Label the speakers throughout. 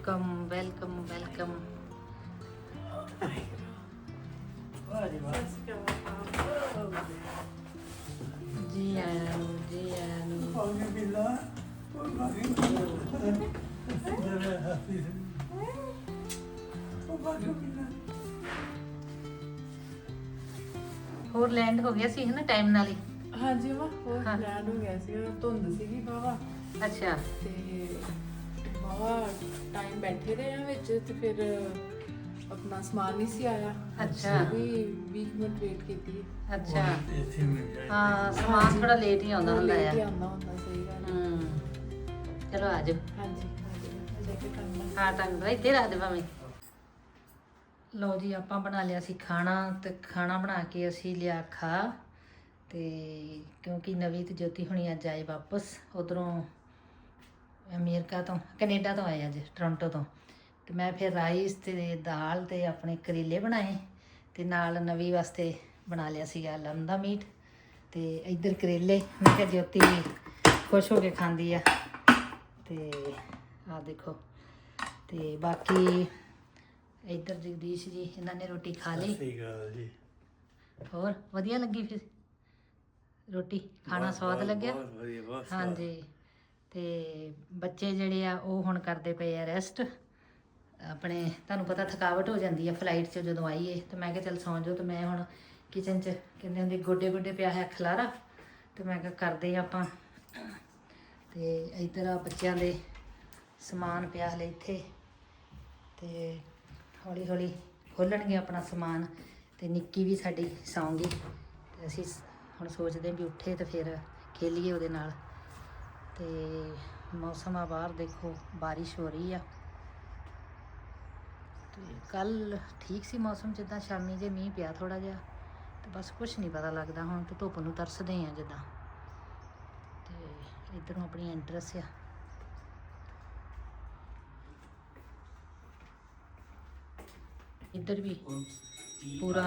Speaker 1: Welcome welcome welcome. जी आनू जी आनू। ਹੋਰ ਲੈਂਡ ਹੋ ਗਿਆ ਸੀ ਹੈ ਨਾ ਟਾਈਮ ਨਾਲ ਹੀ।
Speaker 2: ਹਾਂਜੀ ਵਾ ਹੋਰ ਲੈਂਡ ਹੋ ਗਿਆ ਸੀ, ਧੁੰਦ ਸੀਗੀ ਬਾਵਾ
Speaker 1: ਅੱਛਾ
Speaker 2: ਤੇ ਬਾਵਾ ਟਾਈਮ ਬੈਠੇ ਰਹੇ ਆ ਵਿੱਚ ਤੇ ਫਿਰ ਆਪਣਾ ਸਮਾਨ ਨਹੀਂ ਸੀ ਆਇਆ।
Speaker 1: ਅੱਛਾ।
Speaker 2: ਵੀ 20 ਮਿੰਟ ਵੇਟ ਕੀਤੀ।
Speaker 1: ਅੱਛਾ ਹਾਂ ਸਮਾਨ ਥੋੜਾ ਲੇਟ ਹੀ ਆਉਂਦਾ ਹੁੰਦਾ
Speaker 2: ਲੇਟ ਹੀ
Speaker 1: ਆ।
Speaker 2: ਆਉਂਦਾ ਹੁੰਦਾ, ਸਹੀ ਗੱਲ ਹੈ।
Speaker 1: ਚਲੋ ਆ ਜਾਓ।
Speaker 2: ਹਾਂਜੀ ਹਾਂਜੀ ਜਾ ਕੇ ਕਰਨਾ।
Speaker 1: ਹਾਂ ਟੰਗ ਦੋ ਇੱਥੇ ਰੱਖ ਦੇ ਭਾਵੇਂ। ਲਓ ਜੀ ਆਪਾਂ ਬਣਾ ਲਿਆ ਸੀ ਖਾਣਾ ਤੇ ਖਾਣਾ ਬਣਾ ਕੇ ਅਸੀਂ ਲਿਆ ਖਾ ਤੇ ਕਿਉਂਕਿ ਨਵੀਂ ਤੇ ਜੋਤੀ ਹੁਣੀ ਅੱਜ ਆਏ ਵਾਪਸ ਉਧਰੋਂ ਅਮਰੀਕਾ ਤੋਂ ਕੈਨੇਡਾ ਤੋਂ ਆਏ ਅੱਜ ਟੋਰਾਂਟੋ ਤੋਂ। ਤੇ ਮੈਂ ਫਿਰ ਰਾਈਸ ਤੇ ਦਾਲ ਤੇ ਆਪਣੇ ਕਰੇਲੇ ਬਣਾਏ ਤੇ ਨਾਲ ਨਵੀਂ ਵਾਸਤੇ ਬਣਾ ਲਿਆ ਸੀਗਾ ਲੰਮ ਦਾ ਮੀਟ ਤੇ ਇੱਧਰ ਕਰੇਲੇ। ਮੈਂ ਕਿਹਾ ਜੋਤੀ ਖੁਸ਼ ਹੋ ਕੇ ਖਾਂਦੀ ਆ ਤੇ ਆਹ ਦੇਖੋ। ਤੇ ਬਾਕੀ ਇੱਧਰ ਜਗਦੀਸ਼ ਜੀ ਇਹਨਾਂ ਨੇ ਰੋਟੀ ਖਾ ਲਈ।
Speaker 3: ਸਹੀ ਗੱਲ ਜੀ।
Speaker 1: ਹੋਰ ਵਧੀਆ ਲੱਗੀ ਫਿਰ ਰੋਟੀ ਖਾਣਾ ਸਵਾਦ ਲੱਗਿਆ?
Speaker 3: ਬਹੁਤ ਵਧੀਆ ਬਹੁਤ ਸਵਾਦ।
Speaker 1: ਹਾਂਜੀ ਤੇ ਬੱਚੇ ਜਿਹੜੇ ਆ ਉਹ ਹੁਣ ਕਰਦੇ ਪਏ ਆ ਰੈਸਟ। ਆਪਣੇ ਤੁਹਾਨੂੰ ਪਤਾ ਥਕਾਵਟ ਹੋ ਜਾਂਦੀ ਆ ਫਲਾਈਟ 'ਚ ਜਦੋਂ ਆਈਏ ਤੇ ਮੈਂ ਕਿਹਾ ਚੱਲ ਸੌਂ ਜਾਓ। ਤੇ ਮੈਂ ਹੁਣ ਕਿਚਨ 'ਚ ਕਹਿੰਦੇ ਹੁੰਦੇ ਗੋਡੇ ਗੋਡੇ ਪਿਆ ਹੈ ਖਲਾਰਾ ਤੇ ਮੈਂ ਕਿਹਾ ਕਰਦੇ ਆਪਾਂ। ਤੇ ਇੱਧਰ ਆ ਬੱਚਿਆਂ ਦੇ ਸਮਾਨ ਪਿਆ ਹਲੇ ਇੱਥੇ ਤੇ ਹੌਲੀ ਹੌਲੀ ਖੋਲਣਗੇ ਆਪਣਾ ਸਮਾਨ। ਤੇ ਨਿੱਕੀ ਵੀ ਸਾਡੀ ਸੌਂਗੀ ਤੇ ਅਸੀਂ ਹੁਣ ਸੋਚਦੇ ਵੀ ਉੱਠੇ ਤੇ ਫਿਰ ਖੇਲੀਏ ਉਹਦੇ ਨਾਲ। ਤੇ ਮੌਸਮ ਆ ਬਾਹਰ ਦੇਖੋ ਬਾਰਿਸ਼ ਹੋ ਰਹੀ ਆ ਤੇ ਕੱਲ ਠੀਕ ਸੀ ਮੌਸਮ ਜਿੱਦਾਂ ਸ਼ਾਮੀ ਜੇ ਮੀਂਹ ਪਿਆ ਥੋੜਾ ਜਿਹਾ ਤੇ ਬਸ ਕੁਛ ਨਹੀਂ ਪਤਾ ਲੱਗਦਾ ਹੁਣ ਤੇ ਧੁੱਪ ਨੂੰ ਤਰਸਦੇ ਆ ਜਿੱਦਾਂ। ਤੇ ਇੱਧਰੋਂ ਆਪਣੀ ਐਂਟਰਸ ਆ। ਇੱਧਰ ਵੀ ਪੂਰਾ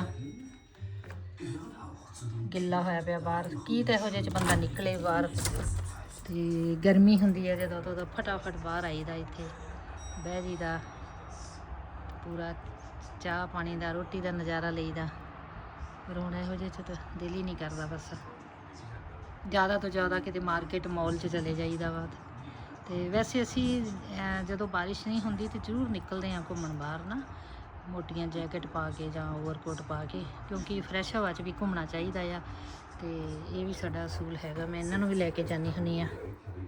Speaker 1: ਗਿੱਲਾ ਹੋਇਆ ਪਿਆ ਬਾਹਰ। ਕੀ ਤਾਂ ਇਹੋ ਜਿਹੇ 'ਚ ਬੰਦਾ ਨਿਕਲੇ ਬਾਹਰ। ਤੇ ਗਰਮੀ ਹੁੰਦੀ ਹੈ ਜਦੋਂ ਤਾਂ ਫਟਾਫਟ ਬਾਹਰ ਆਈਦਾ ਇੱਥੇ ਬਹਿ ਜੀਦਾ ਪੂਰਾ ਚਾਹ ਪਾਣੀ ਦਾ ਰੋਟੀ ਦਾ ਨਜ਼ਾਰਾ ਲਈਦਾ। ਪਰ ਹੁਣ ਇਹੋ ਜਿਹੇ 'ਚ ਤਾਂ ਦਿਲ ਹੀ ਨਹੀਂ ਕਰਦਾ। ਬਸ ਜ਼ਿਆਦਾ ਤੋਂ ਜ਼ਿਆਦਾ ਕਿਤੇ ਮਾਰਕੀਟ ਮੌਲ 'ਚ ਚਲੇ ਜਾਈਦਾ ਵਾ। ਤੇ ਵੈਸੇ ਅਸੀਂ ਜਦੋਂ ਬਾਰਿਸ਼ ਨਹੀਂ ਹੁੰਦੀ ਤੇ ਜ਼ਰੂਰ ਨਿਕਲਦੇ ਹਾਂ ਘੁੰਮਣ ਬਾਹਰ ਨਾ ਮੋਟੀਆਂ ਜੈਕਟ ਪਾ ਕੇ ਜਾਂ ਓਵਰਕੋਟ ਪਾ ਕੇ ਕਿਉਂਕਿ ਫਰੈਸ਼ ਹਵਾ 'ਚ ਵੀ ਘੁੰਮਣਾ ਚਾਹੀਦਾ ਆ। ਤੇ ਇਹ ਵੀ ਸਾਡਾ ਅਸੂਲ ਹੈਗਾ। ਮੈਂ ਇਹਨਾਂ ਨੂੰ ਵੀ ਲੈ ਕੇ ਜਾਂਦੀ ਹੁੰਦੀ ਆ।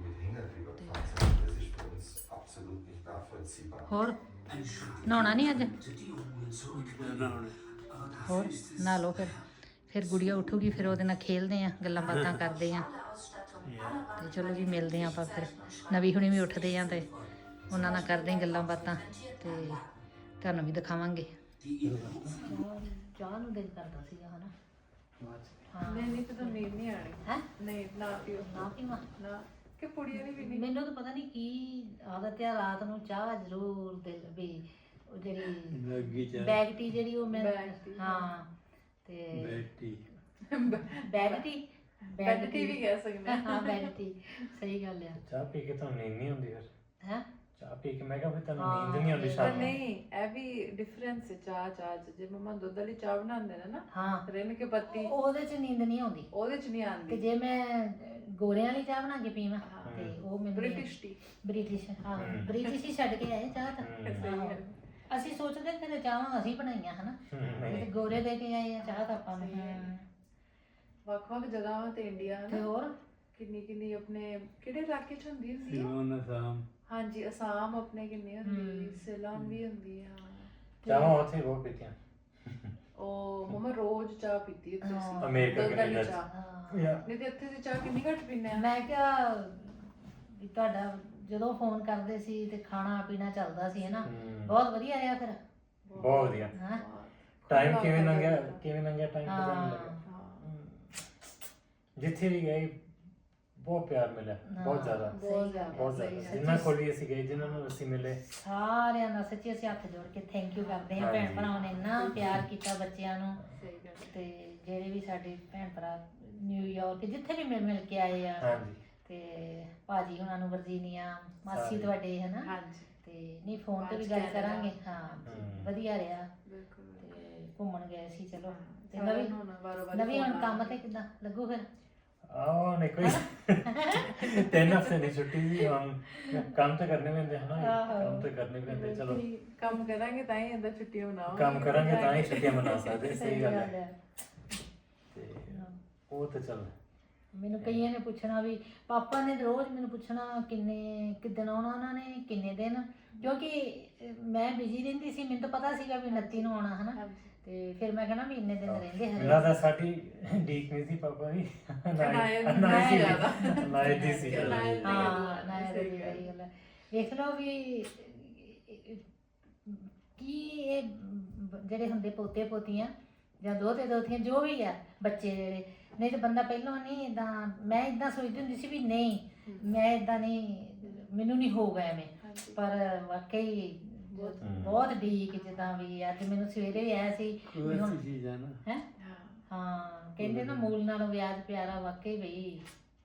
Speaker 1: ਹੋਰ ਨਹਾਉਣਾ ਨਹੀਂ ਅੱਜ? ਹੋਰ ਨਹਾ ਲਓ ਫਿਰ ਗੁੜੀਆ ਉੱਠੂਗੀ ਫਿਰ ਉਹਦੇ ਨਾਲ ਖੇਲਦੇ ਆ ਗੱਲਾਂ ਬਾਤਾਂ ਕਰਦੇ ਆ। ਤੇ ਚਲੋ ਜੀ ਮਿਲਦੇ ਆ ਆਪਾਂ ਫਿਰ। ਨਵੀਂ ਹੁਣੀ ਵੀ ਉੱਠਦੇ ਆ ਤੇ ਉਹਨਾਂ ਨਾਲ ਕਰਦੇ ਗੱਲਾਂ ਬਾਤਾਂ ਤੇ ਤੁਹਾਨੂੰ ਵੀ ਦਿਖਾਵਾਂਗੇ। ਚਾਹ ਨੂੰ ਦਿਲ ਕਰਦਾ ਸੀਗਾ ਹਨਾ।
Speaker 2: ਨਹੀਂ ਤਾਂ ਨੀਂਦ ਨਹੀਂ ਆਣੀ
Speaker 1: ਹੈ
Speaker 2: ਨਹੀਂ ਨਾ ਪੀਓ
Speaker 1: ਨਾ ਪੀਵਾਂ
Speaker 2: ਨਾ ਕਿ ਪੁੜੀਆਂ ਨਹੀਂ ਪੀਣੀ।
Speaker 1: ਮੈਨੂੰ ਤਾਂ ਪਤਾ ਨਹੀਂ ਕੀ ਆਦਤ ਆ ਰਾਤ ਨੂੰ ਚਾਹ ਜ਼ਰੂਰ ਦਿਲ ਵੀ ਉਹ ਜਿਹੜੀ ਬੈਗ ਟੀ ਜਿਹੜੀ ਉਹ ਮੈਂ ਹਾਂ ਤੇ ਬੈਗ ਟੀ
Speaker 2: ਵੀ ਕਹਿ ਸਕਦੇ
Speaker 1: ਹਾਂ ਬੈਗ ਟੀ ਸਹੀ ਗੱਲ ਆ।
Speaker 4: ਚਾਹ ਪੀ ਕੇ ਤੁਹਾਨੂੰ ਨੀਂਦ ਨਹੀਂ ਆਉਂਦੀ ਫਿਰ?
Speaker 1: ਹੈ
Speaker 4: ਚਾਹ ਪੀ ਕੇ ਮੈਂ ਕਿਹਾ ਫਿਰ ਤੁਹਾਨੂੰ ਨੀਂਦ ਨਹੀਂ ਆਉਂਦੀ
Speaker 2: ਪਰ
Speaker 4: ਸ਼ਾਮ ਨੂੰ?
Speaker 2: ਨਹੀਂ ਇਹ ਵੀ ਡਿਫਰੈਂਸ ਹੈ ਚਾਹ ਚ। ਜੇ ਮਮਾ ਦੁੱਧ ਵਾਲੀ ਚਾਹ ਬਣਾਉਂਦੇ ਨੇ ਨਾ
Speaker 1: ਹਾਂ
Speaker 2: ਰਿੰਨ ਕੇ ਪੱਤੀ
Speaker 1: ਉਹਦੇ 'ਚ ਨੀਂਦ ਨਹੀਂ ਆਉਂਦੀ।
Speaker 2: ਉਹਦੇ ਚ ਨਹੀਂ
Speaker 1: ਤੇ
Speaker 2: ਆਉਂਦੀ।
Speaker 1: ਜੇ ਮੈਂ ਗੋਰਿਆਂ ਵਾਲੀ ਚਾਹ ਬਣਾ ਕੇ ਪੀਵਾਂ ਤੇ ਉਹ ਮੈਨੂੰ
Speaker 2: ਬ੍ਰਿਟਿਸ਼ ਟੀ
Speaker 1: ਬ੍ਰਿਟਿਸ਼ ਹਾਂ ਬ੍ਰਿਟਿਸ਼ ਹੀ ਛੱਡ ਕੇ ਆਏ ਚਾਹ ਤਾਂ। ਆਹੋ। ਅਸੀਂ ਸੋਚਦੇ ਕਿ ਚਾਹਾਂ ਅਸੀਂ ਬਣਾਈਆਂ ਹਨਾ ਤੇ ਗੋਰੇ ਦੇ ਕੇ ਆਏ ਆ ਚਾਹ ਤਾਂ ਆਪਾਂ ਨੂੰ।
Speaker 2: ਵੱਖ-ਵੱਖ ਜਗ੍ਹਾਵਾਂ ਤੇ ਇੰਡੀਆ
Speaker 1: ਤੇ
Speaker 2: ਹਨਾ
Speaker 1: ਹੋਰ
Speaker 2: ਕਿੰਨੀ ਆਪਣੇ ਕਿਹੜੇ ਇਲਾਕੇ ਚ ਹੁੰਦੀ ਹੈ?
Speaker 3: ਸਿਲੋਨ ਅਸਾਮ।
Speaker 2: ਹਾਂਜੀ ਅਸਾਮ ਆਪਣੇ ਕਿੰਨੀ ਹੁੰਦੀ, ਸਿਲੋਨ ਵੀ ਹੁੰਦੀ ਆ।
Speaker 4: ਚਾਹਾਂ ਉੱਥੇ ਬਹੁਤ ਪੀਤੀਆਂ।
Speaker 2: ਉਹ ਮਮਾ ਰੋਜ਼ ਚਾਹ ਪੀਤੀ ਉੱਥੇ ਸੀ
Speaker 4: ਅਮਰੀਕਾ
Speaker 2: ਦੁੱਧ ਵਾਲੀ
Speaker 4: ਕੈਨੇਡਾ
Speaker 2: ਚਾਹ।
Speaker 4: ਯਾ
Speaker 2: ਨਹੀਂ ਤੇ ਇੱਥੇ ਦੀ ਚਾਹ ਕਿੰਨੀ ਘੱਟ ਪੀਂਦੇ ਆ।
Speaker 1: ਮੈਂ ਕਿਹਾ ਵੀ ਤੁਹਾਡਾ ਜਦੋਂ ਫੋਨ ਕਰਦੇ ਸੀ ਤੇ ਖਾਣਾ ਪੀਣਾ ਚੱਲਦਾ ਸੀ ਹਨਾ ਬਹੁਤ ਵਧੀਆ ਰਿਹਾ ਫਿਰ।
Speaker 4: ਬਹੁਤ ਵਧੀਆ।
Speaker 1: ਹਾਂ
Speaker 4: ਟਾਈਮ ਕਿਵੇਂ ਲੰਘਿਆ ਟਾਈਮ ਪਤਾ ਨਹੀਂ
Speaker 1: ਹਾਂ
Speaker 4: ਲੱਗਾ। ਜਿੱਥੇ ਵੀ ਗਏ ਬਹੁਤ ਪਿਆਰ ਮਿਲਿਆ ਬਹੁਤ ਜ਼ਿਆਦਾ
Speaker 1: ਸਹੀ ਗੱਲ
Speaker 4: ਬਹੁਤ ਜ਼ਿਆਦਾ। ਜਿੰਨਾ ਕੋਲ ਵੀ ਅਸੀਂ ਗਏ ਜਿਨ੍ਹਾਂ ਨੂੰ ਅਸੀਂ ਮਿਲੇ
Speaker 1: ਸਾਰਿਆਂ ਦਾ ਸੱਚੀ ਅਸੀਂ ਹੱਥ ਜੋੜ ਕੇ ਥੈਂਕ ਯੂ ਕਰਦੇ ਹਾਂ। ਭੈਣ ਭਰਾਵਾਂ ਨੇ ਇੰਨਾ ਪਿਆਰ ਕੀਤਾ ਬੱਚਿਆਂ ਨੂੰ।
Speaker 2: ਸਹੀ ਗੱਲ
Speaker 1: ਤੇ ਜਿਹੜੇ ਵੀ ਸਾਡੇ ਭੈਣ ਭਰਾ ਨਿਊਯਾਰਕ ਜਿੱਥੇ ਵੀ ਮਿਲ ਕੇ ਆਏ ਆ
Speaker 4: ਹਾਂਜੀ
Speaker 1: ਤੇ ਭਾਜੀ ਹੁਣਾਂ ਨੂੰ ਵਰਜੀਨੀਆ ਮਾਸੀ ਤੁਹਾਡੇ ਹਨਾ
Speaker 2: ਹਾਂਜੀ
Speaker 1: ਤੇ ਨਹੀਂ ਫੋਨ ਤੇ ਵੀ
Speaker 2: ਅੱਜ
Speaker 1: ਗੱਲ
Speaker 2: ਕੈਨੇਡਾ।
Speaker 1: ਕਰਾਂਗੇ। ਹਾਂ ਵਧੀਆ ਰਿਹਾ
Speaker 2: ਬਿਲਕੁਲ
Speaker 1: ਤੇ ਘੁੰਮਣ ਗਏ ਸੀ। ਚਲੋ ਤੇ
Speaker 2: ਸਾਰਿਆਂ
Speaker 1: ਨਵੀਂ
Speaker 2: ਨੂੰ ਹੁਣ ਵਾਰੋ-ਵਾਰੀ
Speaker 1: ਨਵੀਂ ਹੁਣ
Speaker 2: phone
Speaker 1: ਕੰਮ
Speaker 2: ਆਉਣਗੇ।
Speaker 1: ਤੇ ਕਿੱਦਾਂ ਲੱਗੂ ਫਿਰ?
Speaker 4: नहीं कोई 3 हफ्ते नहीं छुट्टी थी हम काम तो करने में है ना काम तो करने में चलो
Speaker 2: ਕੰਮ ਕਰਾਂਗੇ ਤਾਂ ਹੀ ਅੰਦਰ ਛੁੱਟੀਆਂ ਮਨਾਵਾਂਗੇ।
Speaker 4: काम करेंगे तो ही छुट्टियां मना सकते सही गल है
Speaker 1: ਹੈ।
Speaker 4: ते वो तो चल
Speaker 1: ਮੈਨੂੰ ਕਈਆਂ ਨੇ ਪੁੱਛਣਾ ਵੀ ਪਾਪਾ ਨੇ ਰੋਜ਼ ਮੈਨੂੰ ਪੁੱਛਣਾ ਕਿੱਦਣ ਆਉਣਾ ਉਹਨਾਂ ਨੇ, ਕਿੰਨੇ ਦਿਨ, ਕਿਉਂਕਿ ਮੈਂ ਬਿਜ਼ੀ ਰਹਿੰਦੀ ਸੀ। ਮੈਨੂੰ ਤਾਂ ਪਤਾ ਸੀਗਾ ਵੀ 29 ਨੂੰ ਆਉਣਾ ਹਨਾ,
Speaker 2: ਹਾਂਜੀ।
Speaker 1: ਤੇ ਫਿਰ ਮੈਂ ਕਹਿਣਾ ਵੀ ਇੰਨੇ ਦਿਨ ਰਹਿੰਦੇ
Speaker 4: मेरा
Speaker 1: ਹਰੇ।
Speaker 4: तो साडी डीक नहीं थी पापा दी
Speaker 2: ਅਨਾਇਤ
Speaker 4: ਜ਼ਿਆਦਾ
Speaker 2: ਅਨਾਇਤ
Speaker 4: ਦੀ ਸੀ ਜ਼ਿਆਦਾ।
Speaker 2: ਅਨਾਇਤ ਦੀ
Speaker 1: ਹਾਂ
Speaker 2: ਗੱਲ
Speaker 1: ਨਾ
Speaker 2: ਹੈ,
Speaker 1: ਸਹੀ ਗੱਲ ਹੈ। ਵੇਖ ਲਓ ਵੀ ਕੀ ਇਹ ਜਿਹੜੇ ਹੁੰਦੇ ਪੋਤੇ ਪੋਤੀਆਂ ਜਾਂ ਦੋਤੇ ਦੋਤੀਆਂ ਜੋ ਵੀ ਆ ਬੱਚੇ ਜਿਹੜੇ, ਨਹੀਂ ਤਾਂ ਬੰਦਾ ਪਹਿਲਾਂ ਨਹੀਂ ਇਦਾਂ, ਮੈਂ ਇਦਾਂ ਸੋਚਦੀ ਹੁੰਦੀ ਸੀ ਵੀ ਨਹੀਂ ਮੈਂ ਇਦਾਂ ਨਹੀਂ, ਮੈਨੂੰ ਨਹੀਂ ਹੋਊਗਾ ਐਵੇਂ,
Speaker 2: ਹਾਂਜੀ।
Speaker 1: ਪਰ ਵਾਕਈ ਬਹੁਤ ਢੀਕ ਜਿੱਦਾਂ ਵੀ ਅੱਜ ਮੈਨੂੰ ਸਵੇਰੇ ਵੀ ਆਇਆ ਸੀ ਵੀ ਹੁਣ ਹੈ
Speaker 2: ਹਾਂ।
Speaker 1: ਹਾਂ ਕਹਿੰਦੇ ਨਾ ਮੂਲ ਨਾਲੋਂ ਵਿਆਜ ਪਿਆਰਾ, ਵਾਕਈ ਬਈ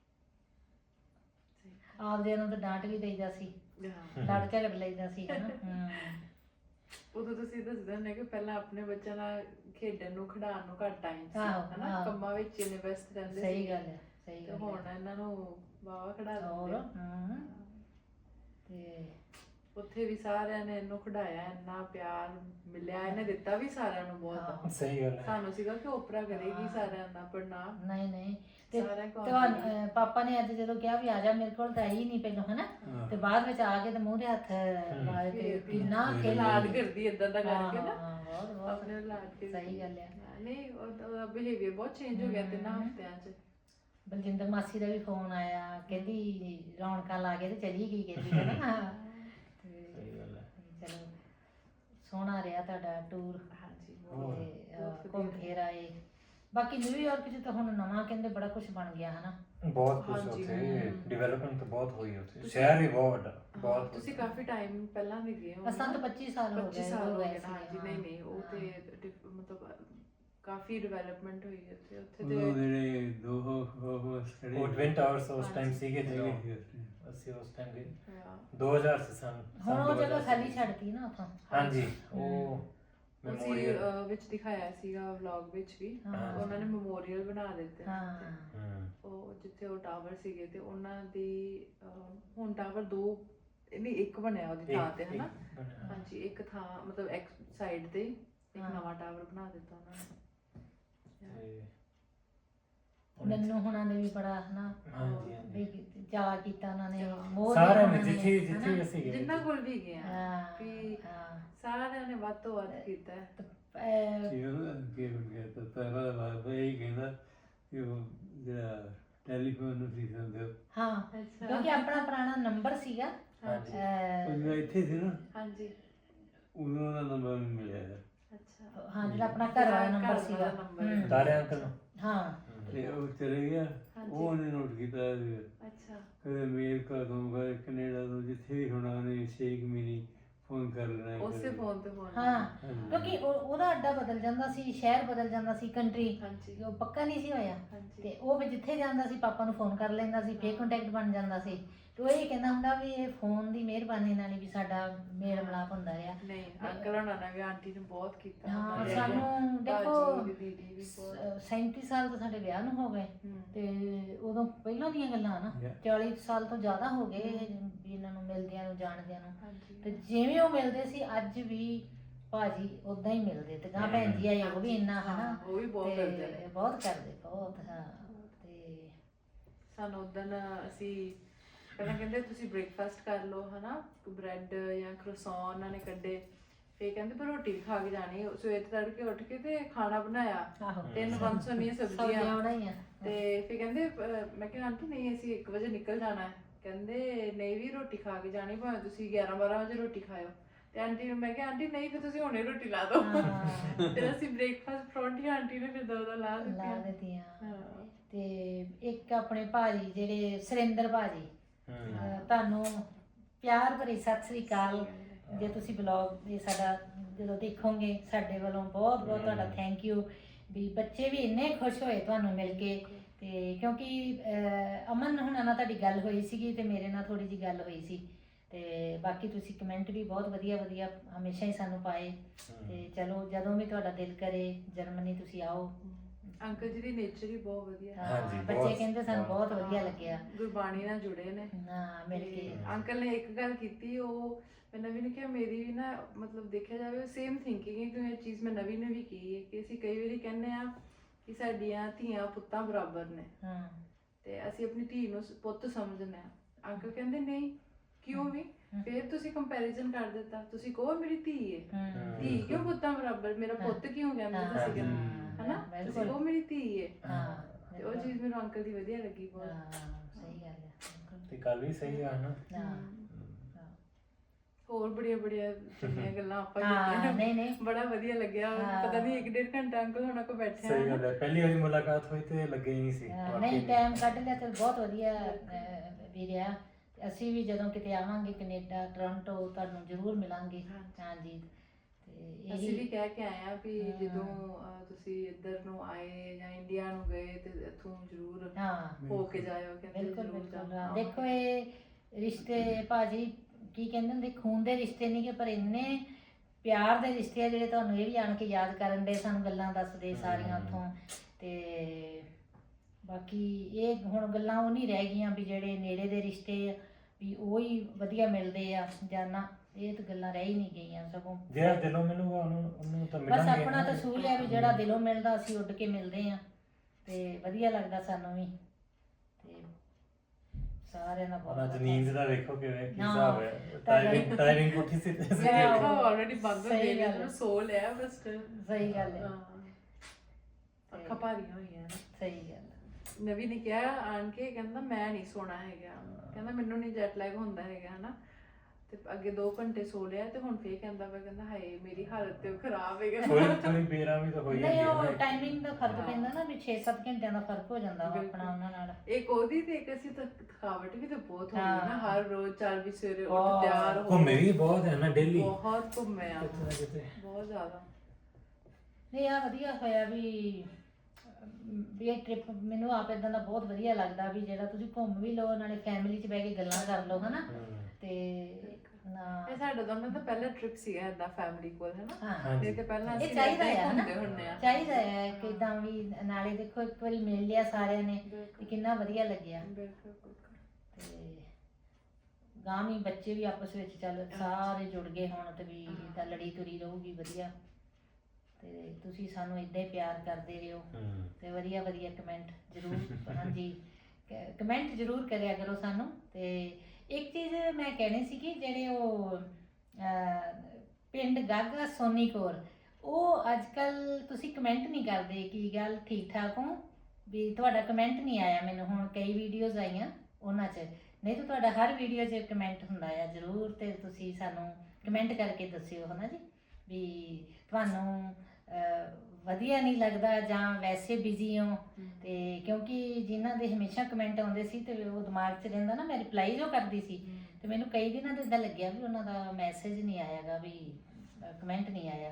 Speaker 1: ਆਪਦਿਆਂ ਨੂੰ ਤਾਂ ਡਾਂਟ ਵੀ ਦੇਈਦਾ ਸੀ,
Speaker 2: ਹਾਂ।
Speaker 1: ਲੜ ਝਗੜ ਲਈਦਾ ਸੀ ਹਨਾ।
Speaker 2: ਉਦੋਂ ਤੁਸੀਂ ਦੱਸਦੇ ਹੁੰਦੇ ਕਿ ਪਹਿਲਾਂ ਆਪਣੇ ਬੱਚਿਆਂ ਨਾਲ ਖੇਡਣ ਨੂੰ ਖਿਡਾਉਣ ਨੂੰ ਘੱਟ ਟਾਈਮ ਸੀ
Speaker 1: ਆਹੋ,
Speaker 2: ਹਨਾ,
Speaker 1: ਆਹੋ।
Speaker 2: ਕੰਮਾਂ ਵਿੱਚ ਇੰਨੇ ਵਿਅਸਤ ਰਹਿੰਦੇ
Speaker 1: ਸਹੀ
Speaker 2: ਸੀ।
Speaker 1: ਗੱਲ ਹੈ, ਸਹੀ
Speaker 2: ਤੇ
Speaker 1: ਗੱਲ
Speaker 2: ਹੁਣ
Speaker 1: ਹੈ।
Speaker 2: ਇਹਨਾਂ ਨੂੰ ਵਾਵਾ ਖਿਡਾ
Speaker 1: ਹੋਰ
Speaker 2: ਦਿੰਦੇ।
Speaker 1: ਤੇ
Speaker 2: ਉੱਥੇ ਵੀ ਸਾਰਿਆਂ ਨੇ ਇਹਨੂੰ ਖਿਡਾਇਆ, ਇੰਨਾ ਪਿਆਰ ਮਿਲਿਆ, ਇਹਨੇ ਦਿੱਤਾ ਵੀ ਸਾਰਿਆਂ ਨੂੰ ਬਹੁਤ।
Speaker 4: सही गल है
Speaker 2: ਸਾਨੂੰ ਸੀਗਾ ਕਿ ਓਪਰਾ ਕਰੇਗੀ ਸਾਰਿਆਂ ਦਾ, ਪਰ ਨਾ,
Speaker 1: ਨਹੀਂ ਨਹੀਂ ਤੇ
Speaker 2: ਸਾਰਿਆਂ ਕੋਲ
Speaker 1: ਤੁਹਾਨੂੰ ਪਾਪਾ ਨੇ ਅੱਜ ਜਦੋਂ ਕਿਹਾ ਵੀ ਆ ਜਾ ਮੇਰੇ ਕੋਲ, ਤਾਂ ਆਈ ਨਹੀਂ ਪਹਿਲਾਂ ਹਨਾ, ਤੇ ਬਾਅਦ ਵਿੱਚ ਆ ਕੇ ਤੇ ਮੂੰਹ ਦੇ ਹੱਥ ਮਾਰੇ ਤੇ ਕਿੰਨਾ
Speaker 2: ਲਾਡ ਕਰਦੀ ਏਦਾਂ ਦਾ ਕਰਕੇ ਨਾ,
Speaker 1: ਬਹੁਤ ਬਹੁਤ
Speaker 2: ਆਪਣੇ ਲਾਡ ਕੇ।
Speaker 1: ਸਹੀ ਗੱਲ ਹੈ।
Speaker 2: ਨਹੀਂ ਉਹਦਾ ਬਿਹੇਵੀਅਰ ਬਹੁਤ ਚੇਂਜ ਹੋ ਗਿਆ 3 ਹਫ਼ਤਿਆਂ 'ਚ।
Speaker 1: ਬਲਜਿੰਦਰ ਮਾਸੀ ਦਾ ਵੀ ਫੋਨ ਆਇਆ, ਕਹਿੰਦੀ ਰੌਣਕਾਂ ਲਾ ਕੇ ਤੇ ਚਲੀ ਗਈ, ਕਹਿੰਦੀ ਹਨਾ। ਤੇ
Speaker 4: सही गल है
Speaker 1: ਚਲੋ ਸੋਹਣਾ ਰਿਹਾ ਤੁਹਾਡਾ ਟੂਰ,
Speaker 2: ਹਾਂਜੀ
Speaker 1: ਤੇ ਘੁੰਮ ਫਿਰ ਆਏ। ਬਾਕੀ ਨਿਊਯਾਰਕ 'ਚ ਤਾਂ ਹੁਣ ਨਵਾਂ ਕਹਿੰਦੇ ਬੜਾ ਕੁਝ ਬਣ ਗਿਆ ਹਨਾ।
Speaker 4: बहुत कुछ
Speaker 2: हाँ जी।
Speaker 4: होते डेवलपमेंट तो बहुत हुई होती शहर ही बहुत बड़ा बहुत
Speaker 2: ਤੁਸੀਂ ਕਾਫੀ ਟਾਈਮ ਪਹਿਲਾਂ ਦੇ ਗਏ ਹੋ
Speaker 1: ਅਸਾਂ ਤਾਂ 25 ਸਾਲ ਹੋ
Speaker 2: 25
Speaker 1: ਗਏ
Speaker 2: ਸਾਲ ਹੋ
Speaker 1: ਉਦੋਂ
Speaker 2: ਗਏ
Speaker 1: ਸੀ,
Speaker 2: ਨਾ। ਹਾਂਜੀ,
Speaker 1: ਹਾਂ।
Speaker 2: ਨਹੀਂ ਨਹੀਂ ਉਹ ਤੇ ਮਤਲਬ ਕਾਫੀ ਡਿਵੈਲਪਮੈਂਟ ਹੋਈ ਹੈ ਉੱਥੇ
Speaker 3: ਉਹ
Speaker 2: ਤੇ
Speaker 3: ਜਿਹੜੇ ਦੋ ਹੋ ਸਟੱਡੀ
Speaker 4: वो ट्विन टावर्स उस
Speaker 2: हाँ
Speaker 4: टाइम
Speaker 2: जी।
Speaker 4: सीखे थे
Speaker 3: ਹੈਗੇ
Speaker 4: ਅਸੀਂ ਉਸ ਟਾਈਮ ਗਏ
Speaker 2: ਹਾਂ।
Speaker 4: 2000 से सन
Speaker 1: ਹੁਣ ਉਹ ਜਗ੍ਹਾ ਖਾਲੀ ਛੱਡਤੀ ਨਾ ਉਥੋਂ।
Speaker 4: हाँ जी वो
Speaker 2: ਅਸੀਂ
Speaker 4: मेमोरियल
Speaker 2: ਵਿੱਚ ਦਿਖਾਇਆ ਸੀਗਾ ਵਲੌਗ ਵਿੱਚ ਵੀ,
Speaker 1: ਹਾਂ।
Speaker 2: ਉਹਨਾਂ ਨੇ ਮੈਮੋਰੀਅਲ ਬਣਾ ਦਿੱਤੇ
Speaker 1: ਹਾਂ
Speaker 2: ਉਹ ਜਿੱਥੇ ਉਹ ਟਾਵਰ ਸੀਗੇ, ਤੇ ਉਹਨਾਂ ਦੀ ਹੁਣ ਟਾਵਰ 2 ਨਹੀਂ 1 ਬਣਿਆ ਉਹਦੀ ਥਾਂ ਤੇ ਹਨਾ। ਹਾਂਜੀ, ਇੱਕ ਥਾਂ ਮਤਲਬ ਇੱਕ ਸਾਈਡ ਤੇ ਇੱਕ
Speaker 1: ਹਾਂ।
Speaker 2: ਨਵਾਂ ਟਾਵਰ ਬਣਾ ਦਿੱਤਾ ਉਹਨਾਂ ਨੇ।
Speaker 1: ਮੈਨੂੰ ਹੁਣਾਂ ਨੇ ਵੀ ਬੜਾ ਹਨਾ
Speaker 4: ਹਾਂਜੀ
Speaker 1: ਵੀ ਜਾ ਕੀਤਾ ਉਹਨਾਂ ਨੇ,
Speaker 2: ਜਾ।
Speaker 1: ਮੋਹ
Speaker 4: ਸਾਰਿਆਂ
Speaker 1: ਉਹਨਾਂ
Speaker 4: ਨੇ
Speaker 1: ਨੇ,
Speaker 4: ਜਿੱਥੇ
Speaker 1: ਹਨਾ।
Speaker 4: ਜਿੱਥੇ ਅਸੀਂ ਗਏ
Speaker 2: ਜਿੰਨਾ ਕੋਲ ਵੀ ਗਏ ਆ
Speaker 1: ਹਾਂ,
Speaker 2: ਵੀ
Speaker 1: ਹਾਂ।
Speaker 2: ਸਾਰਿਆਂ ਨੇ ਵੱਧ ਤੋਂ ਵੱਧ ਕੀਤਾ ਹੈ।
Speaker 3: ਸੀ ਉਹ ਅੱਗੇ ਹੋ ਗਿਆ ਤਾਂ ਪਹਿਲਾ ਵਾਰ ਇਹ ਕਹਿੰਦਾ ਕਿ ਉਹ ਜਿਹੜਾ ਟੈਲੀਫੋਨ ਨੂੰ ਸੀ ਸੰਦੇ
Speaker 1: ਹਾਂ ਕਿਉਂਕਿ ਆਪਣਾ ਪੁਰਾਣਾ ਨੰਬਰ ਸੀਗਾ।
Speaker 2: ਹਾਂਜੀ
Speaker 3: ਉਹ ਜਿਹੜਾ ਇੱਥੇ ਸੀ ਨਾ
Speaker 2: ਹਾਂਜੀ
Speaker 3: ਉਦੋਂ ਦਾ ਨੰਬਰ ਨਹੀਂ ਮਿਲਿਆ
Speaker 2: ਅੱਛਾ
Speaker 1: ਹਾਂ ਜਿਹੜਾ ਆਪਣਾ ਘਰ ਵਾਲਾ ਨੰਬਰ
Speaker 2: ਘਰ
Speaker 1: ਸੀਗਾ।
Speaker 2: ਵਾਲਾ number
Speaker 1: ਹਮ,
Speaker 4: ਤਾਰੇ ਅੰਕਲ ਨੂੰ
Speaker 1: ਹਾਂ
Speaker 3: ਤੇ ਉਹ ਚਲੇ ਗਿਆ।
Speaker 2: ਹਾਂਜੀ।
Speaker 3: ਉਹ ਉਹਨੇ ਨੋਟ ਕੀਤਾ ਵੀ
Speaker 2: ਅੱਛਾ
Speaker 3: ਕਦੇ ਅਮਰੀਕਾ ਤੋਂ ਕਦੇ ਕੈਨੇਡਾ ਤੋਂ ਜਿੱਥੇ ਵੀ ਹੋਣਾ ਉਹਨੇ 6 ਮਹੀਨੇ ਫੋਨ ਕਰ ਲੈਣਾ
Speaker 2: ਉਸੇ ਫੋਨ ਤੇ ਫੋਨ
Speaker 1: ਹਾਂ ਕਿਉਂਕਿ ਉਹਦਾ ਅੱਡਾ ਬਦਲ ਜਾਂਦਾ ਸੀ, ਸ਼ਹਿਰ ਬਦਲ ਜਾਂਦਾ ਸੀ, ਕੰਟਰੀ
Speaker 2: ਹਾਂਜੀ
Speaker 1: ਉਹ ਪੱਕਾ ਨਹੀਂ ਸੀ ਹੋਇਆ।
Speaker 2: ਹਾਂਜੀ
Speaker 1: ਤੇ ਉਹ ਵੀ ਜਿੱਥੇ ਜਾਂਦਾ ਸੀ ਪਾਪਾ ਨੂੰ ਫੋਨ ਕਰ ਲੈਂਦਾ ਸੀ, ਫੇਰ ਕੰਟੈਕਟ ਬਣ ਜਾਂਦਾ ਸੀ। ਤੇ ਉਹ ਇਹ ਕਹਿੰਦਾ ਹੁੰਦਾ ਵੀ ਇਹ ਫੋਨ ਦੀ ਮਿਹਰਬਾਨੀ ਨਾਲ ਹੀ ਵੀ ਸਾਡਾ ਮੇਲ ਮਿਲਾਪ ਹੁੰਦਾ ਰਿਹਾ।
Speaker 2: ਨਹੀਂ ਅੰਕਲ ਹੋਣਾ ਨੇ ਵੀ ਆਂਟੀ ਨੇ ਬਹੁਤ ਕੀਤਾ
Speaker 1: ਹਾਂ
Speaker 2: ਉਹਨਾਂ ਨੇ।
Speaker 1: ਸਾਨੂੰ ਦੇਖੋ
Speaker 2: ਬਾਜੀ ਵੀ ਦੀਦੀ ਵੀ ਬਹੁਤ
Speaker 1: 37 ਸਾਲ ਤੋਂ ਸਾਡੇ ਵਿਆਹ ਨੂੰ ਹੋ ਗਏ,
Speaker 2: ਹਮ,
Speaker 1: ਤੇ ਉਦੋਂ ਪਹਿਲਾਂ ਦੀਆਂ ਗੱਲਾਂ ਨਾ,
Speaker 3: Yeah.
Speaker 1: 40 ਸਾਲ ਤੋਂ ਜ਼ਿਆਦਾ ਹੋ ਗਏ ਵੀ ਇਹਨਾਂ ਨੂੰ ਮਿਲਦਿਆਂ ਨੂੰ ਜਾਣਦਿਆਂ ਨੂੰ।
Speaker 2: ਹਾਂਜੀ
Speaker 1: ਤੇ ਜਿਵੇਂ ਉਹ ਮਿਲਦੇ ਸੀ ਅੱਜ ਵੀ ਭਾਜੀ ਉਦਾਂ ਹੀ ਮਿਲਦੇ, ਤੇ ਗਾਂ ਭੈਣ ਜੀ ਆਏ ਉਹ ਵੀ ਇੰਨਾ ਹਨਾ
Speaker 2: ਹਾਂ, ਉਹ ਵੀ ਬਹੁਤ
Speaker 1: ਤੇ
Speaker 2: ਕਰਦੇ ਨੇ।
Speaker 1: ਬਹੁਤ ਕਰਦੇ ਬਹੁਤ। ਹਾਂ ਤੇ
Speaker 2: ਸਾਨੂੰ ਉਦੋਂ ਅਸੀਂ ਪਹਿਲਾਂ ਕਹਿੰਦੇ ਤੁਸੀਂ ਬ੍ਰੇਕਫਾਸਟ ਕਰ ਲਓ ਹਨਾ, ਬ੍ਰੈਡ ਜਾਂ ਕਰੋਸੌਨ ਉਹਨਾਂ ਨੇ ਕੱਢੇ। ਫੇਰ ਕਹਿੰਦੇ ਪਰ ਰੋਟੀ ਵੀ ਖਾ ਕੇ ਜਾਣੀ। ਸਵੇਰ ਤੜਕੇ ਉੱਠ ਕੇ ਤੇ ਖਾਣਾ ਬਣਾਇਆ,
Speaker 1: ਆਹੋ
Speaker 2: 300 ਸਬਜ਼ੀਆਂ।
Speaker 1: ਬਣਾਈਆਂ।
Speaker 2: ਤੇ ਫੇਰ ਕਹਿੰਦੇ ਮੈਂ ਕਿਹਾ ਆਂਟੀ ਨਹੀਂ ਅਸੀਂ 1 ਵਜੇ ਨਿਕਲ ਜਾਣਾ ਹੈ। ਕਹਿੰਦੇ ਨਹੀਂ ਵੀ ਰੋਟੀ ਖਾ ਕੇ ਜਾਣੀ, ਭਾਵੇਂ ਤੁਸੀਂ 11-12 ਵਜੇ ਰੋਟੀ ਖਾਇਓ। ਤੇ ਆਂਟੀ ਨੂੰ ਮੈਂ ਕਿਹਾ ਆਂਟੀ ਨਹੀਂ ਫਿਰ ਤੁਸੀਂ ਹੁਣੇ ਰੋਟੀ ਲਾ ਦਿਓ।
Speaker 1: ਹਾਂ।
Speaker 2: ਫਿਰ ਅਸੀਂ ਬ੍ਰੇਕਫਾਸਟ ਪਰੌਂਠੀਆਂ ਆਂਟੀ ਨੇ ਫਿਰ ਦੋ ਲਾ
Speaker 1: ਲਾ
Speaker 2: ਦਿੱਤੀਆਂ।
Speaker 1: ਦਿੱਤੀਆਂ।
Speaker 2: ਹਾਂ।
Speaker 1: ਤੇ ਇੱਕ ਆਪਣੇ ਭਾਜੀ ਜਿਹੜੇ ਸੁਰਿੰਦਰ ਭਾਜੀ, ਤੁਹਾਨੂੰ ਪਿਆਰ ਭਰੀ ਸਤਿ ਸ੍ਰੀ ਅਕਾਲ। ਜੇ ਤੁਸੀਂ ਬਲੌਗ ਇਹ ਸਾਡਾ ਜਦੋਂ ਦੇਖੋਗੇ, ਸਾਡੇ ਵੱਲੋਂ ਬਹੁਤ ਬਹੁਤ ਤੁਹਾਡਾ ਥੈਂਕ ਯੂ। ਵੀ ਬੱਚੇ ਵੀ ਇੰਨੇ ਖੁਸ਼ ਹੋਏ ਤੁਹਾਨੂੰ ਮਿਲ ਕੇ। ਤੇ ਕਿਉਂਕਿ ਅਮਨ ਹੁਣਾਂ ਨਾਲ ਤੁਹਾਡੀ ਗੱਲ ਹੋਈ ਸੀਗੀ ਤੇ ਮੇਰੇ ਨਾਲ ਥੋੜੀ ਜੀ ਗੱਲ ਹੋਈ ਸੀ, ਤੇ ਬਾਕੀ ਤੁਸੀਂ ਕਮੈਂਟ ਵੀ ਬਹੁਤ ਵਧੀਆ ਵਧੀਆ ਹਮੇਸ਼ਾ ਹੀ ਸਾਨੂੰ ਪਾਏ। ਤੇ ਚਲੋ ਜਦੋਂ ਵੀ ਤੁਹਾਡਾ ਦਿਲ ਕਰੇ ਜਰਮਨੀ ਤੁਸੀਂ ਆਓ।
Speaker 2: ਅੰਕਲ ਜੀ ਦੀ ਨੇਚਰ ਹੀ ਬਹੁਤ ਵਧੀਆ।
Speaker 4: ਹਾਂਜੀ,
Speaker 1: ਬੱਚੇ
Speaker 4: ਬਹੁਤ-
Speaker 1: ਕਹਿੰਦੇ ਸਾਨੂੰ ਬਹੁਤ ਵਧੀਆ ਲੱਗਿਆ
Speaker 2: ਗੁਰਬਾਣੀ ਨਾਲ ਜੁੜੇ ਨੇ।
Speaker 1: ਹਾਂ ਮਿਲ ਕੇ।
Speaker 2: ਅੰਕਲ ਨੇ ਇੱਕ ਗੱਲ ਕੀਤੀ, ਉਹ ਮੈਂ ਨਵੀਂ ਨੇ ਕਿਹਾ ਮੇਰੀ ਵੀ ਨਾ ਮਤਲਬ ਦੇਖਿਆ ਜਾਵੇ ਸੇਮ ਥਿੰਕਿੰਗ ਹੈ, ਕਿਉਂਕਿ ਇਹ ਚੀਜ਼ ਮੈਂ ਨਵੀਂ ਨੇ ਵੀ ਕੀ ਹੈ ਕਿ ਅਸੀਂ ਕਈ ਵਾਰੀ ਕਹਿੰਦੇ ਆ ਕਿ ਸਾਡੀਆਂ ਧੀਆਂ ਪੁੱਤਾਂ ਬਰਾਬਰ ਨੇ ਤੇ ਅਸੀਂ ਆਪਣੀ ਧੀ ਨੂੰ ਪੁੱਤ ਸਮਝਦੇ ਆ। ਅੰਕਲ ਕਹਿੰਦੇ ਨਹੀਂ, ਕਿਉਂ ਵੀ? ਫਿਰ ਤੁਸੀਂ ਕੰਪੈਰੀਜ਼ਨ ਕਰ ਦਿੱਤਾ, ਤੁਸੀਂ ਕਹੋ ਮੇਰੀ ਧੀ ਹੈ, ਧੀ ਕਿਉਂ ਪੁੱਤਾਂ ਬਰਾਬਰ, ਮੇਰਾ ਪੁੱਤ ਕਿਉਂ ਕਹਿੰਦੇ ਤੁਸੀਂ ਕਹਿੰਦੇ ਹਨਾ, ਤੁਸੀਂ ਕਹੋ ਮੇਰੀ ਧੀ ਹੈ। ਤੇ ਉਹ ਚੀਜ਼ ਮੈਨੂੰ ਅੰਕਲ ਦੀ ਵਧੀਆ ਲੱਗੀ ਬਹੁਤ।
Speaker 1: ਸਹੀ ਗੱਲ ਹੈ
Speaker 4: ਤੇ ਗੱਲ ਵੀ ਸਹੀ ਆ ਨਾ।
Speaker 2: ਹੋਰ ਬੜੀਆਂ ਚੰਗੀਆਂ ਗੱਲਾਂ ਆਪਾਂ
Speaker 1: ਹਾਂ
Speaker 2: ਕੀਤੀਆਂ।
Speaker 1: ਨਹੀਂ
Speaker 2: ਬੜਾ ਵਧੀਆ ਲੱਗਿਆ। ਪਤਾ ਨਹੀਂ 1.5 ਘੰਟਾ ਅੰਕਲ ਹੋਣਾ ਕੋ ਬੈਠੇ
Speaker 4: ਸਹੀ ਗੱਲ ਹੈ, ਪਹਿਲੀ ਵਾਰੀ ਮੁਲਾਕਾਤ ਹੋਈ ਤੇ ਲੱਗੇ ਹੀ ਨਹੀਂ ਸੀ।
Speaker 1: ਨਹੀਂ ਟਾਈਮ ਕੱਢ ਲਿਆ ਤੇ ਬਹੁਤ ਵਧੀਆ ਵੀ ਰਿਹਾ। ਅਸੀਂ ਵੀ ਜਦੋਂ ਕਿਤੇ ਆਵਾਂਗੇ ਕੈਨੇਡਾ ਟੋਰਾਂਟੋ ਤੁਹਾਨੂੰ ਜ਼ਰੂਰ ਮਿਲਾਂਗੇ। ਹਾਂਜੀ ਤੇ
Speaker 2: ਅਸੀਂ ਵੀ ਕਹਿ ਕੇ ਆਏ ਆ ਵੀ ਜਦੋਂ ਤੁਸੀਂ ਇੱਧਰ ਨੂੰ ਆਏ ਜਾਂ ਇੰਡੀਆ ਨੂੰ ਗਏ ਤੇ ਇੱਥੋਂ ਜ਼ਰੂਰ ਹੋ ਕੇ ਜਾਇਓ।
Speaker 1: ਬਿਲਕੁਲ ਬਿਲਕੁਲ। ਦੇਖੋ ਇਹ ਰਿਸ਼ਤੇ ਭਾਜੀ ਕੀ ਕਹਿੰਦੇ ਹੁੰਦੇ ਖੂਨ ਦੇ ਰਿਸ਼ਤੇ ਨਹੀਂ ਕਿ ਪਰ ਇੰਨੇ ਪਿਆਰ ਦੇ ਰਿਸ਼ਤੇ ਆ ਜਿਹੜੇ ਤੁਹਾਨੂੰ ਇਹ ਵੀ ਆਣ ਕੇ ਯਾਦ ਕਰਨ ਦੇ, ਸਾਨੂੰ ਗੱਲਾਂ ਦੱਸਦੇ ਸਾਰੀਆਂ ਉੱਥੋਂ। ਤੇ ਬਾਕੀ ਇਹ ਹੁਣ ਗੱਲਾਂ ਉਹ ਨਹੀਂ ਰਹਿ ਗਈਆਂ ਵੀ ਜਿਹੜੇ ਨੇੜੇ ਦੇ ਰਿਸ਼ਤੇ ਆ ਵੀ ਉਹ ਹੀ ਵਧੀਆ ਮਿਲਦੇ ਆ ਜਾਂ ਨਾ, ਇਹ ਤਾਂ ਗੱਲਾਂ ਰਹਿ ਹੀ ਨਹੀਂ ਗਈਆਂ। ਸਗੋਂ
Speaker 4: ਜਿਹੜਾ ਦਿਲੋਂ ਮਿਲੂਗਾ ਉਹਨੂੰ ਤਾਂ
Speaker 1: ਬਸ
Speaker 4: ਮਿਲਾਂਗੇ।
Speaker 1: ਆਪਣਾ ਤਾਂ ਅਸੂਲ ਹੈ ਵੀ ਜਿਹੜਾ ਦਿਲੋਂ ਮਿਲਦਾ ਅਸੀਂ ਉੱਡ ਕੇ ਮਿਲਦੇ ਆ ਤੇ ਵਧੀਆ ਲੱਗਦਾ ਸਾਨੂੰ ਵੀ। ਤੇ ਸਾਰਿਆਂ ਦਾ
Speaker 4: ਉਹਨਾਂ
Speaker 1: ਬਹੁਤ
Speaker 4: ਚ ਨੀਂਦ ਦਾ ਵੇਖੋ ਕਿਵੇਂ ਕੀ
Speaker 1: ਹਾਂ।
Speaker 4: ਹਿਸਾਬ ਹੈ। ਟਾਈਮਿੰਗ ਉੱਠੀ ਸੀ ਤੇ
Speaker 2: ਆਲਰੇਡੀ ਬੰਦ ਹੋ
Speaker 1: ਸਹੀ
Speaker 2: ਗਿਆ,
Speaker 1: ਗੱਲ ਹੈ।
Speaker 2: ਸੋ ਲਿਆ ਬਸ।
Speaker 1: ਸਹੀ ਗੱਲ ਹੈ।
Speaker 2: ਅੱਖਾਂ ਭਾਰੀਆਂ ਹੋਈਆਂ।
Speaker 1: ਸਹੀ ਗੱਲ ਹੈ।
Speaker 2: ਨਵੀ ਨੇ ਕਿਹਾ ਆਣ ਕੇ, ਕਹਿੰਦਾ ਮੈਂ ਨਹੀਂ ਸੋਣਾ ਹੈਗਾ, ਕਹਿੰਦਾ ਮੈਨੂੰ ਨਹੀਂ ਜੈਟ ਲੈਗ ਹੁੰਦਾ ਹੈਗਾ ਹਨਾ। ਤੇ ਅੱਗੇ 2 ਘੰਟੇ ਸੋ ਲਿਆ ਤੇ ਹੁਣ ਫੇਰ ਕਹਿੰਦਾ ਵਾ, ਕਹਿੰਦਾ ਹਾਏ ਮੇਰੀ ਹਾਲਤ ਤੇ ਖਰਾਬ ਹੈਗਾ।
Speaker 4: ਥੋੜੀ ਬੇਰਾਮੀ ਤਾਂ ਹੋਈ
Speaker 1: ਨਹੀਂ
Speaker 4: ਜਾਂਦੀ
Speaker 1: ਉਹ
Speaker 4: ਹੈ ਨਾ।
Speaker 1: ਟਾਈਮਿੰਗ ਦਾ ਫਰਕ ਪੈਂਦਾ ਨਾ ਵੀ 6-7 ਘੰਟਿਆਂ ਦਾ ਫਰਕ ਹੋ ਜਾਂਦਾ ਵਾ ਆਪਣਾ ਉਹਨਾਂ ਨਾਲ।
Speaker 2: ਇੱਕ ਉਹਦੀ ਤੇ ਇੱਕ ਅਸੀਂ ਤਾਂ ਥਕਾਵਟ ਵੀ ਤਾਂ ਬਹੁਤ ਹੋ ਗਈ ਨਾ।
Speaker 1: ਹਾਂ।
Speaker 2: ਹਰ ਰੋਜ਼ ਚੱਲ ਵੀ ਸਵੇਰੇ
Speaker 1: ਬਹੁਤ।
Speaker 2: ਉੱਠ ਤਿਆਰ ਹੋ,
Speaker 4: ਘੁੰਮੇ ਵੀ ਬਹੁਤ ਹੈ ਨਾ ਡੇਲੀ,
Speaker 2: ਬਹੁਤ ਘੁੰਮੇ ਆ,
Speaker 4: ਕਿਤੇ ਨਾ ਕਿਤੇ।
Speaker 2: ਬਹੁਤ ਜ਼ਿਆਦਾ।
Speaker 1: ਨਹੀਂ ਆ ਵਧੀਆ ਹੋਇਆ ਵੀ ਇਹ ਟ੍ਰਿਪ ਮੈਨੂੰ ਆਪ ਇਦਾਂ ਦਾ ਬਹੁਤ ਵਧੀਆ ਲੱਗਦਾ ਵੀ ਜਿਹੜਾ ਤੁਸੀਂ ਘੁੰਮ ਵੀ ਲਓ ਨਾਲੇ ਫੈਮਿਲੀ 'ਚ ਬਹਿ ਕੇ ਗੱਲਾਂ ਕਰ ਲਓ ਹਨਾ। ਤੇ ਨਾ
Speaker 2: ਇਹ ਸਾਡਾ ਦੋਨਾਂ ਦਾ ਪਹਿਲਾ ਟ੍ਰਿਪ ਸੀਗਾ ਏਦਾਂ ਫੈਮਿਲੀ ਕੋਲ ਹਨਾ।
Speaker 1: ਹਾਂ
Speaker 2: ਨਹੀਂ ਤੇ ਪਹਿਲਾਂ
Speaker 1: ਇਹ
Speaker 2: ਅਸੀਂ
Speaker 1: ਚਾਹੀਦਾ
Speaker 2: ਏਦਾਂ ਹੀ
Speaker 1: ਹੈ ਹਨਾ,
Speaker 2: ਘੁੰਮਦੇ ਹੁੰਦੇ ਆ।
Speaker 1: ਚਾਹੀਦਾ ਹੈ ਕਿ ਇਦਾਂ ਵੀ ਨਾਲੇ ਦੇਖੋ ਇੱਕ ਵਾਰੀ ਮਿਲ ਲਿਆ ਸਾਰਿਆਂ ਨੇ ਤੇ ਕਿੰਨਾ ਵਧੀਆ ਲੱਗਿਆ।
Speaker 2: ਬਿਲਕੁਲ ਬਿਲਕੁਲ।
Speaker 1: ਤੇ ਗਾਂ ਵੀ ਬੱਚੇ ਵੀ ਆਪਸ ਵਿੱਚ ਚੱਲ ਸਾਰੇ ਜੁੜ ਗਏ ਹੁਣ ਤੇ ਵੀ ਇਦਾਂ ਲੜੀ ਤੁਰੀ ਰਹੂਗੀ ਵਧੀਆ। ਤੇ ਤੁਸੀਂ ਸਾਨੂੰ ਇਦਾਂ ਹੀ ਪਿਆਰ ਕਰਦੇ ਰਹੋ ਤੇ ਵਧੀਆ ਵਧੀਆ ਕਮੈਂਟ ਜ਼ਰੂਰ ਹਾਂਜੀ ਕਮੈਂਟ ਜ਼ਰੂਰ ਕਰਿਆ ਕਰੋ ਸਾਨੂੰ। ਤੇ ਇੱਕ ਚੀਜ਼ ਮੈਂ ਕਹਿਣੀ ਸੀ ਕਿ ਜਿਹੜੇ ਉਹ ਪਿੰਡ ਗਾਗਾ ਸੋਨੀ ਕੋਲ ਉਹ ਅੱਜ ਕੱਲ ਤੁਸੀਂ ਕਮੈਂਟ ਨਹੀਂ ਕਰਦੇ, ਕੀ ਗੱਲ ਠੀਕ ਠਾਕ ਹੋ? ਵੀ ਤੁਹਾਡਾ ਕਮੈਂਟ ਨਹੀਂ ਆਇਆ ਮੈਨੂੰ। ਹੁਣ ਕਈ ਵੀਡੀਓਜ਼ ਆਈਆਂ ਉਹਨਾਂ 'ਚ, ਨਹੀਂ ਤਾਂ ਤੁਹਾਡਾ ਹਰ ਵੀਡੀਓ 'ਚ ਕਮੈਂਟ ਹੁੰਦਾ ਆ ਜ਼ਰੂਰ। ਤੇ ਤੁਸੀਂ ਸਾਨੂੰ ਕਮੈਂਟ ਕਰਕੇ ਦੱਸਿਓ ਹੈ ਨਾ ਜੀ ਵੀ ਤੁਹਾਨੂੰ ਵਧੀਆ ਨਹੀਂ ਲੱਗਦਾ ਜਾਂ ਵੈਸੇ ਬਿਜ਼ੀ ਹੋ। ਤੇ ਕਿਉਂਕਿ ਜਿਨ੍ਹਾਂ ਦੇ ਹਮੇਸ਼ਾ ਕਮੈਂਟ ਆਉਂਦੇ ਸੀ ਤੇ ਉਹ ਦਿਮਾਗ 'ਚ ਰਹਿੰਦਾ ਨਾ, ਮੈਂ ਰਿਪਲਾਈ ਜੋ ਕਰਦੀ ਸੀ ਤੇ ਮੈਨੂੰ ਕਈ ਦਿਨਾਂ ਤੋਂ ਇੱਦਾਂ ਲੱਗਿਆ ਵੀ ਉਹਨਾਂ ਦਾ ਮੈਸੇਜ ਨਹੀਂ ਆਇਆਗਾ, ਵੀ ਕਮੈਂਟ ਨਹੀਂ ਆਇਆ।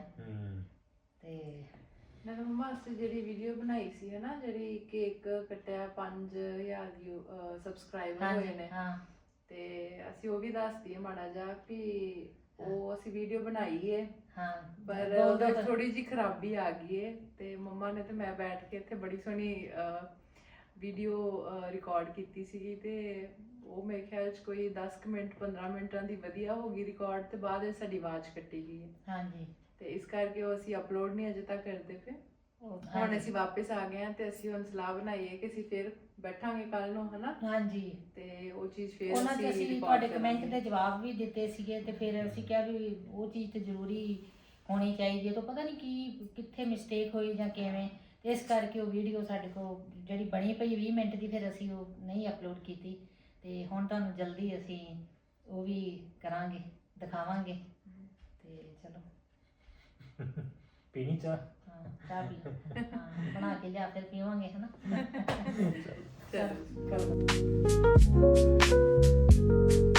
Speaker 1: ਤੇ
Speaker 2: ਮੈਂ ਤਾਂ ਮੰਮਾ ਅਸੀਂ ਜਿਹੜੀ ਵੀਡੀਓ ਬਣਾਈ ਸੀ ਹਨਾ, ਜਿਹੜੀ ਕੇਕ ਕੱਟਿਆ 5000 ਸਬਸਕ੍ਰਾਈਬਰ ਹੋਏ ਨੇ, ਤੇ ਅਸੀਂ ਉਹ ਵੀ ਦੱਸਦੀ ਮਾੜਾ ਜਿਹਾ ਵੀ ਉਹ ਅਸੀਂ ਵੀਡੀਓ ਬਣਾਈ ਹੈ ਪਰ ਉਹਦੇ ਥੋੜੀ ਜਿਹੀ ਖਰਾਬੀ ਆ ਗਈ ਹੈ। ਤੇ ਮੰਮਾ ਨੇ ਤੇ ਮੈਂ ਬੈਠ ਕੇ ਇੱਥੇ ਬੜੀ ਸੋਹਣੀ ਵੀਡੀਓ ਰਿਕਾਰਡ ਕੀਤੀ ਸੀਗੀ ਤੇ ਉਹ ਮੇਰੇ ਖਿਆਲ 'ਚ ਕੋਈ 10 ਮਿੰਟ 15 ਮਿੰਟਾਂ ਦੀ ਵਧੀਆ ਹੋ ਗਈ ਰਿਕਾਰਡ ਤੇ ਬਾਅਦ ਵਿੱਚ ਸਾਡੀ ਆਵਾਜ਼ ਕੱਟੀ ਗਈ ਹੈ। ਹਾਂਜੀ ਤੇ ਇਸ ਕਰਕੇ ਉਹ ਅਸੀਂ ਅਪਲੋਡ ਨਹੀਂ ਅਜੇ ਤੱਕ ਕਰਦੇ ਪਏ। ਹੁਣ ਅਸੀਂ ਵਾਪਸ ਆ ਗਏ ਆ ਤੇ ਅਸੀਂ ਹੁਣ ਸਲਾਹ ਬਣਾਈ ਹੈ ਕਿ ਅਸੀਂ ਫਿਰ ਬੈਠਾਂਗੇ ਕੱਲ ਨੂੰ ਹਨਾ। ਹਾਂਜੀ ਤੇ ਉਹ ਚੀਜ਼ ਫਿਰ
Speaker 1: ਉਹਨਾਂ 'ਚ ਅਸੀਂ ਤੁਹਾਡੇ ਕਮੈਂਟ ਦੇ ਜਵਾਬ ਵੀ ਦਿੱਤੇ ਸੀਗੇ ਤੇ ਫਿਰ ਅਸੀਂ ਕਿਹਾ ਵੀ ਉਹ ਚੀਜ਼ ਤੇ ਜ਼ਰੂਰੀ ਹੋਣੀ ਚਾਹੀਦੀ ਹੈ। ਤਾਂ ਪਤਾ ਨਹੀਂ ਕੀ ਕਿੱਥੇ ਮਿਸਟੇਕ ਹੋਈ ਜਾਂ ਕਿਵੇਂ, ਇਸ ਕਰਕੇ ਉਹ ਵੀਡੀਓ ਸਾਡੇ ਕੋਲ ਜਿਹੜੀ ਬਣੀ ਪਈ 20 ਮਿੰਟ ਦੀ ਫਿਰ ਅਸੀਂ ਉਹ ਨਹੀਂ ਅਪਲੋਡ ਕੀਤੀ। ਤੇ ਹੁਣ ਤੁਹਾਨੂੰ ਜਲਦੀ ਅਸੀਂ ਉਹ ਵੀ ਕਰਾਂਗੇ, ਦਿਖਾਵਾਂਗੇ। ਤੇ ਚਲੋ
Speaker 4: ਪੀਣੀ ਚਾਹ?
Speaker 1: ਹਾਂ ਚਾਹ ਪੀ ਬਣਾ ਕੇ ਲਿਆ ਫਿਰ ਪੀਵਾਂਗੇ ਹਨਾ।
Speaker 2: ਚਲੋ।